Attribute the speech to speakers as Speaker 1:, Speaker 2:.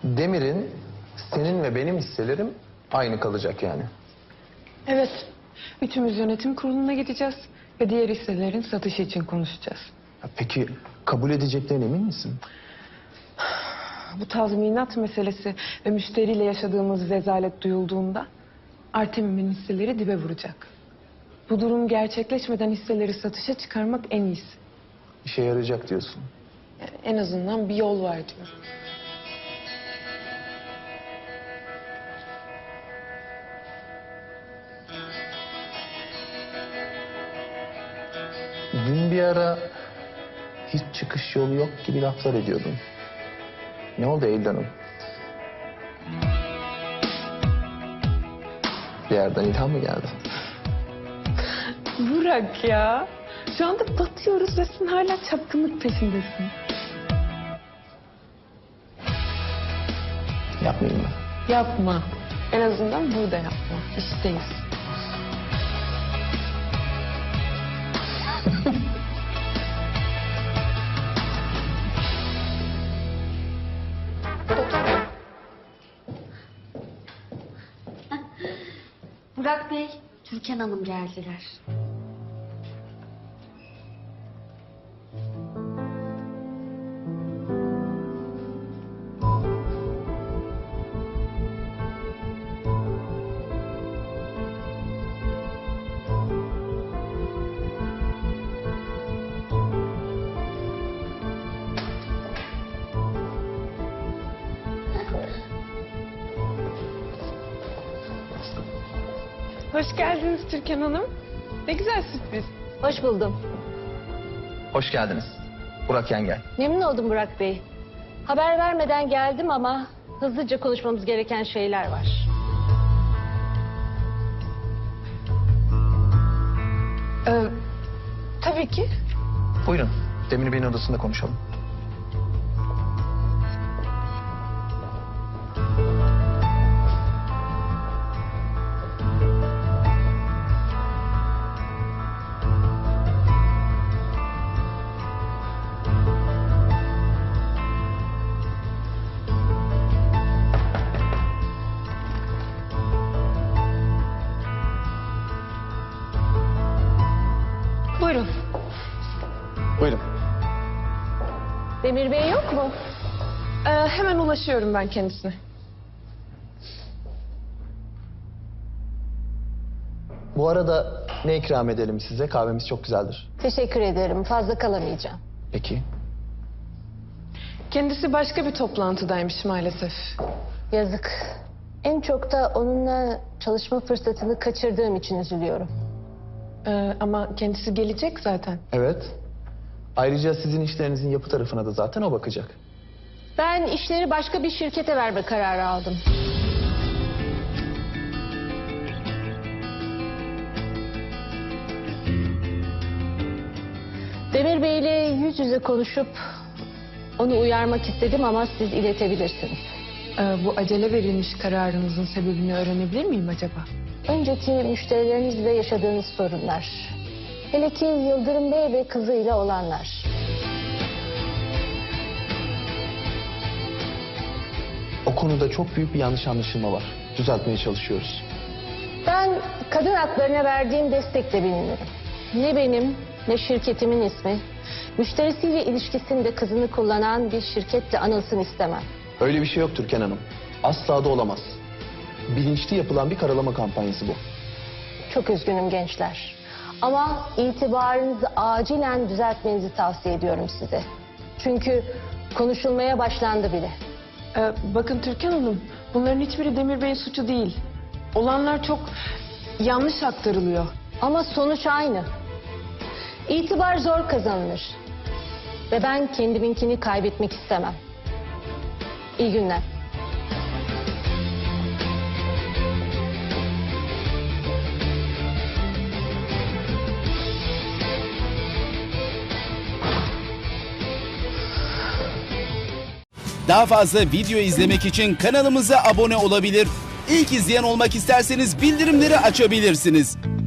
Speaker 1: Demir'in, senin ve benim hisselerim aynı kalacak yani.
Speaker 2: Evet. Üçümüz yönetim kuruluna gideceğiz ve diğer hisselerin satışı için konuşacağız.
Speaker 1: Ya peki kabul edeceklerine emin misin?
Speaker 2: Bu tazminat meselesi ve müşteriyle yaşadığımız rezalet duyulduğunda Artemim'in hisseleri dibe vuracak. Bu durum gerçekleşmeden hisseleri satışa çıkarmak en iyisi.
Speaker 1: İşe yarayacak diyorsun.
Speaker 2: Yani en azından bir yol var diyorum.
Speaker 1: Dün bir ara hiç çıkış yolu yok gibi laflar ediyordun. Ne oldu Eylül Hanım? Bir yerden ilham mı geldi?
Speaker 2: Burak ya. Şu anda batıyoruz ve sen hala çapkınlık peşindesin.
Speaker 1: Yapmayayım mı?
Speaker 2: Yapma. En azından burada yapma. İşteyiz.
Speaker 3: Burak Bey, Türkan Hanım geldiler.
Speaker 2: Hoş geldiniz Türkan Hanım. Ne güzel sürpriz.
Speaker 4: Hoş buldum.
Speaker 1: Hoş geldiniz. Burak Yengel.
Speaker 4: Memnun oldum Burak Bey. Haber vermeden geldim ama hızlıca konuşmamız gereken şeyler var.
Speaker 2: Tabii ki.
Speaker 1: Buyurun. Demir Bey'in odasında konuşalım.
Speaker 2: Buyurun.
Speaker 1: Buyurun.
Speaker 4: Demir Bey yok mu?
Speaker 2: Hemen ulaşıyorum ben kendisine.
Speaker 1: Bu arada ne ikram edelim size? Kahvemiz çok güzeldir.
Speaker 4: Teşekkür ederim. Fazla kalamayacağım.
Speaker 1: Peki.
Speaker 2: Kendisi başka bir toplantıdaymış maalesef.
Speaker 4: Yazık. En çok da onunla çalışma fırsatını kaçırdığım için üzülüyorum.
Speaker 2: Ama kendisi gelecek zaten.
Speaker 1: Evet. Ayrıca sizin işlerinizin yapı tarafına da zaten o bakacak.
Speaker 4: Ben işleri başka bir şirkete verme kararı aldım. Demir Bey ile yüz yüze konuşup onu uyarmak istedim ama siz iletebilirsiniz.
Speaker 2: Bu acele verilmiş kararınızın sebebini öğrenebilir miyim acaba?
Speaker 4: Önceki müşterilerinizle yaşadığınız sorunlar. Hele ki Yıldırım Bey ve kızıyla olanlar.
Speaker 1: O konuda çok büyük bir yanlış anlaşılma var. Düzeltmeye çalışıyoruz.
Speaker 4: Ben kadın haklarına verdiğim destekle bilinirim. Ne benim ne şirketimin ismi müşterisiyle ilişkisinde kızını kullanan bir şirketle anılsın istemem.
Speaker 1: Öyle bir şey yok Türkan Hanım. Asla da olamaz. Bilinçli yapılan bir karalama kampanyası bu.
Speaker 4: Çok üzgünüm gençler. Ama itibarınızı acilen düzeltmenizi tavsiye ediyorum size. Çünkü konuşulmaya başlandı bile.
Speaker 2: Bakın Türkan Hanım, bunların hiçbiri Demir Bey'in suçu değil. Olanlar çok yanlış aktarılıyor.
Speaker 4: Ama sonuç aynı. İtibar zor kazanılır. Ve ben kendiminkini kaybetmek istemem. İyi günler.
Speaker 5: Daha fazla video izlemek için kanalımıza abone olabilir. İlk izleyen olmak isterseniz bildirimleri açabilirsiniz.